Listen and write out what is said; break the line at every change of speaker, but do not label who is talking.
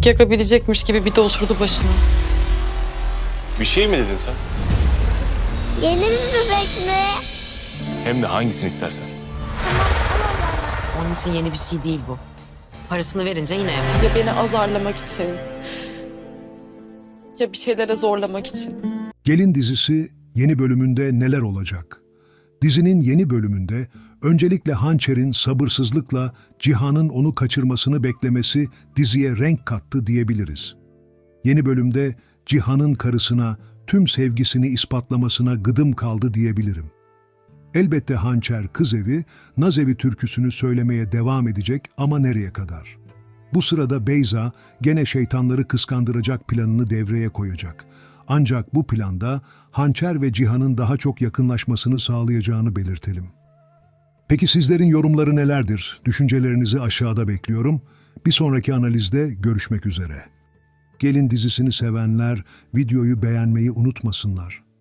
bebek yakabilecekmiş gibi bir de oturdu başına.
Bir şey mi dedin sen?
Yeni bir bebek mi?
Hem de hangisini istersen.
Onun için yeni bir şey değil bu. Parasını verince yine yapar.
Ya beni azarlamak için, ya bir şeylere zorlamak için.
Gelin dizisi yeni bölümünde neler olacak? Dizinin yeni bölümünde öncelikle Hançer'in sabırsızlıkla Cihan'ın onu kaçırmasını beklemesi diziye renk kattı diyebiliriz. Yeni bölümde Cihan'ın karısına tüm sevgisini ispatlamasına gıdım kaldı diyebilirim. Elbette Hançer kız evi, naz evi türküsünü söylemeye devam edecek ama nereye kadar? Bu sırada Beyza gene şeytanları kıskandıracak planını devreye koyacak. Ancak bu planda Hançer ve Cihan'ın daha çok yakınlaşmasını sağlayacağını belirtelim. Peki sizlerin yorumları nelerdir? Düşüncelerinizi aşağıda bekliyorum. Bir sonraki analizde görüşmek üzere. Gelin dizisini sevenler videoyu beğenmeyi unutmasınlar.